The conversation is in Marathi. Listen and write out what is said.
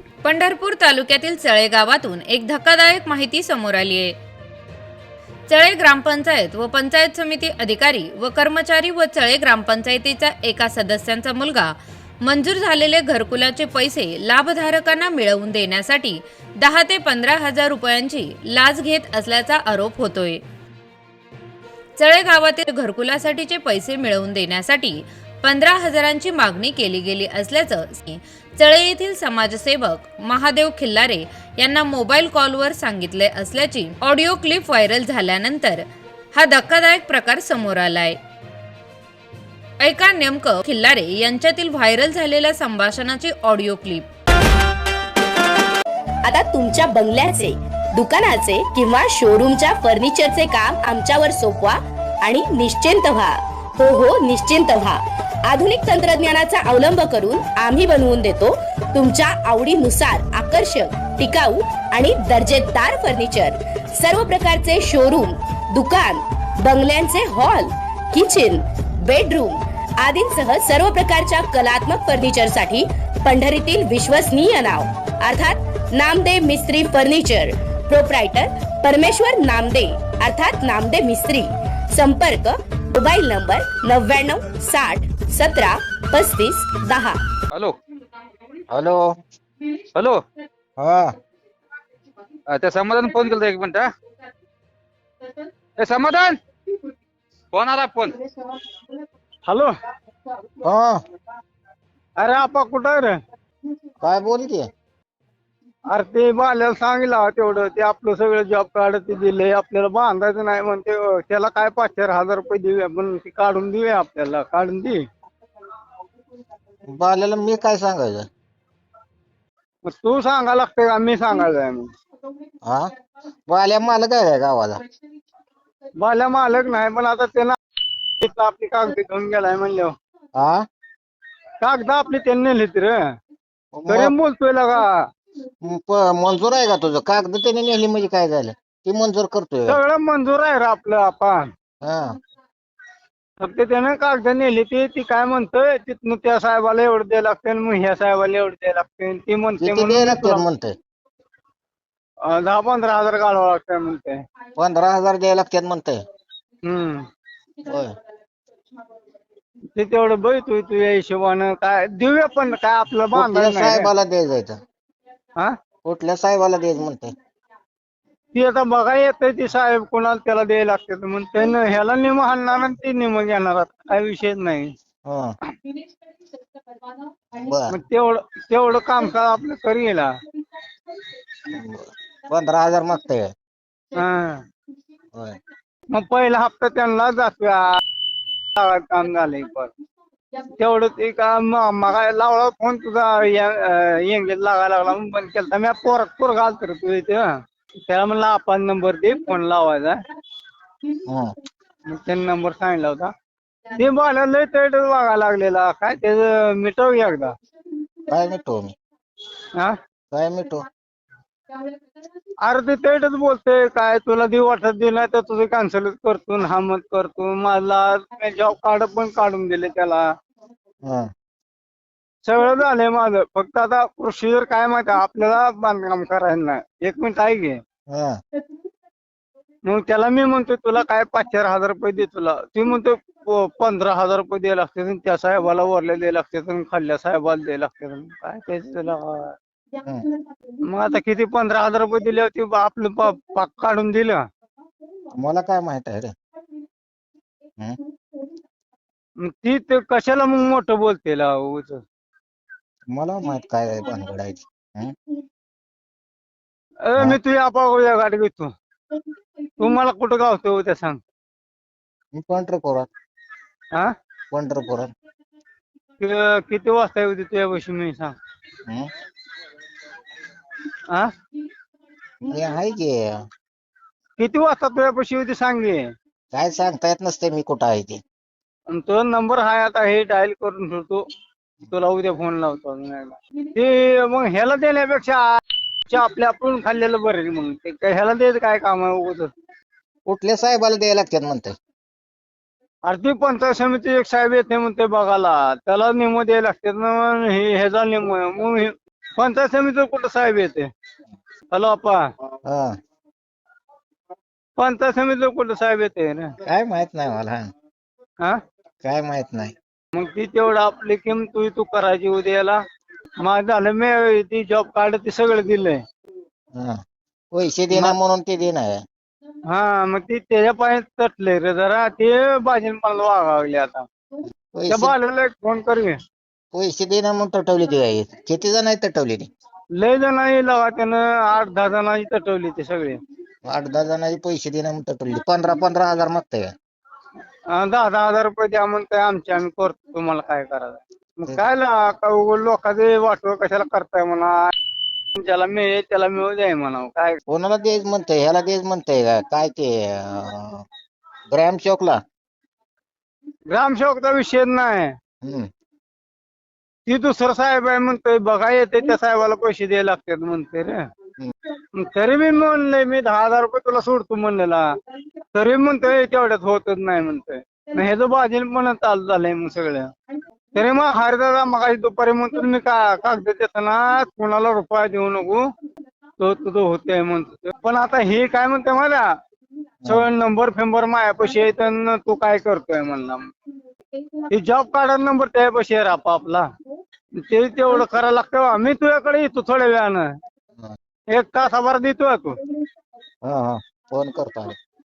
पंढरपूर तालुक्यातील चळे गावातून एक धक्कादायक माहिती समोर आली आहे। चळे ग्रामपंचायत व पंचायत समिती अधिकारी व कर्मचारी व चळे ग्रामपंचायतीच्या एका सदस्यांचा मुलगा मंजूर झालेले घरकुलाचे पैसे लाभधारकांना मिळवून देण्यासाठी 10 ते 15 हजार रुपयांची लाच घेत असल्याचा आरोप होतोय। चळे गावातील घरकुलासाठीचे पैसे मिळवून देण्यासाठी 15 हजारांची मागणी केली गेली असल्याचं चळे येथील समाजसेवक महादेव खिल्लारे यांना मोबाईल कॉलवर सांगितले असल्याची ऑडिओ क्लिप व्हायरल झाल्यानंतर हा धक्कादायक प्रकार समोर आलाय। ऐका नेमकं खिल्लारे यांच्यातील व्हायरल झालेल्या संभाषणाची ऑडिओ क्लिप। आता तुमच्या बंगल्याचे, दुकानाचे किंवा शोरूमच्या फर्निचरचे काम आमच्यावर सोपवा आणि निश्चिंत व्हा। हो निश्चिंत व्हा। आधुनिक तंत्रज्ञानाचा अवलंब करून आम्ही बनवून देतो तुमच्या आवडीनुसार आकर्षक, टिकाऊ आणि दर्जेदार फर्निचर। सर्व प्रकारचे शोरूम, दुकान, बंगल्यांचे हॉल, किचन, बेडरूम आदींसह सर्व प्रकारच्या कलात्मक फर्निचरसाठी पंढरीतील विश्वसनीय नाव अर्थात नामदे मिस्त्री फर्निचर। प्रोप्रायटर परमेश्वर नामदे अर्थात नामदे मिस्त्री। संपर्क mobile number 99 60 17 35 10। Hello hello hello हा त्या समाधान फोन केला एक मिनिट समाधान फोन आला फोन। हॅलो हा अरे आपा कुठं आहे रे? काय बोल की अरे ते बाल्याला सांगितलं तेवढं ते आपलं सगळं जॉब कार्ड ते दिले आपल्याला बांधायचं नाही म्हणते त्याला काय 5,000 रुपये देऊया पण ते काढून देऊया आपल्याला काढून दे। बाल्याला मी काय सांगायचं? मग तू सांगा लागते का मी सांगायचं आहे? हा बाल्या मालक आहे काय गावाला? बाल्या मालक नाही पण आता त्याला आपली कागद घेऊन गेलाय म्हणल्यावर हा कागद आपली त्यांनी नेलीत रे तरी बोलतोय लगा। मंजूर आहे का तुझं? कागद त्याने नेली म्हणजे काय झालं? ती मंजूर करतोय का? सगळं मंजूर आहे रे आपलं आपण हा फक्त त्यानं कागद नेली ती काय म्हणतोय तिथनं त्या साहेबाला एवढं द्यायला लागते मग ह्या साहेबाला एवढं द्यायला लागते ती म्हणते किती द्यायला लागतात म्हणून म्हणतंय? 10-15 हजार काढावं लागतंय म्हणते। 15,000 द्यायला लागतात म्हणतंय? होय ते तेवढं बघ तू तुझ्या हिशोबानं काय देऊया पण काय आपलं कुठल्या बांधायचं नाही रे. साहेबाला द्यायचं? हा कुठल्या साहेबाला द्यायचं म्हणतंय? ती आता बघा येतंय ती साहेब कोणाला त्याला द्यायला लागते मग त्यानं ह्याला निम हाणणार आणि ती निम घेणार काय विषयच नाही। हा बर मग तेवढं काम का आपलं करी येला 15,000 मागतंय? हा होय मग पहिला हप्ता त्यांना जातोय काम झालंय पण तेवढं ते का मग लावला फोन तुझा येंगेत लागायला लागला म्हणून बंद केला मी पोर घालतो रे तू इथे त्याला म्हणलं आपण नंबर दे फोन लावायचा मग त्यांनी नंबर सांगितला होता ते बोलायला लय तैट वागायला लागलेला काय त्याचं मिटव एकदा। काय मिटो मी? हा काय मिटो? अरे ते तैटच बोलतोय काय तुला देऊ वाटत दे नाही तर तुझं कॅन्सलच करतो हा मत करतो मला जॉब कार्ड पण काढून दिले त्याला हा सगळं झालंय माझं फक्त आता प्रोसिजर काय माहिती आपल्याला बांधकाम करायचं नाही। 1 मिनिट आहे घे हा मग त्याला मी म्हणतो तुला काय 5,000 रुपये दे तुला ती म्हणतो 15,000 रुपये द्यायला लागते त्या साहेबाला वरल्या द्यायला लागते खाल्ल्या साहेबाला द्यायला लागते काय त्याचं त्याला मग आता किती 15,000 रुपये दिले होते आपलं पाक काढून दिलं मला काय माहित आहे रे? मग ती ते कशाला मग मोठं बोलते मला माहित काय आहे भानगड आहे ती. मी तुझ्या आपागोळ्या गाडी घेतो तू मला कुठं गावतो उद्या सांग। मी पंढरपुरात हा किती वाजता येऊ दे तुझ्यापाशी मी सांग। हा मी आहे की किती वाजता तुझ्यापाशी येऊ दे सांग घे। काय सांगता येत नसते मी कुठं आहे ते। तुझा नंबर हाय आता हे डायल करून ठेवतो तुला उद्या फोन लावतो ते मग ह्याला देण्यापेक्षा आपल्या आपण खाल्लेलं बरं मग ते ह्याला द्यायचं काय काम आहे उगाच? कुठल्या साहेबाला द्यायला लागतात म्हणते? अरे ती पंचायत समिती एक साहेब येते म्हणते बघायला त्याला निम द्यायला लागतात ना ह्याचा निम मग पंचायत समितीवर कुठं साहेब येते? हॅलो अप्पा, हा पंचायत समितीवर कुठं साहेब येते ना? काय माहित नाही मला. हा काय माहित नाही. मग ती तेवढं आपली किंमत तू करायची उद्याला. माझं झालं मी ती जॉब कार्ड ते सगळं दिलंय. हा पैसे देणार म्हणून ते देणार. हा मग ती त्याच्या पाय तटले रे जरा, ते भाजी मला वागावले आता. त्या पैसे बाळाला एक फोन कर घे. पैसे देणार म्हणून तटवली ती गाई. किती जण तटवली ती? लय जणांनी लावा त्यानं 8-10 जणांनी तटवली ते सगळे. 8-10 जणांचे पैसे देणार म्हणून तटवली. 15,000 मागताय का? 10-10 हजार रुपये द्या म्हणतोय आमचे, आम्ही करतो, तुम्हाला काय करायचं. मग काय लोकांचे वाटव कशाला करताय म्हणा. ज्याला मिळेल त्याला मिळू द्याय म्हणा. काय कोणाला देच म्हणतंय? ह्याला देच म्हणतंय का काय ते ग्रामसेवकला? ग्रामसेवकचा विषय नाही, हम्म. ती दुसरं साहेब आहे म्हणतोय, बघा येते त्या साहेबाला पैसे द्यायला लागतात म्हणते रे. मग तरी मी म्हणलंय मी 10,000 रुपये तुला सोडतो म्हणलेला, तरी म्हणतोय तेवढ्यात होतच नाही म्हणतोय. मग ह्याचं बाजील पण चालू झालंय मग सगळं. तरी मग हरिदादा मग दुपारी म्हणतो मी कागद देताना कुणाला रुपया देऊ नको, तो तुझं होते म्हणतो. पण आता हे काय म्हणते मला, सगळं नंबर फेंबर मायापाशी येत तू काय करतोय म्हणला. हे जॉब कार्ड नंबर त्यापाशी आहे आपला, ते तेवढं करायला लागतं. मी तुझ्याकडे येतो थोड्या वेळानं, 1 तासाभर देतोय तू. हा हा फोन करतो.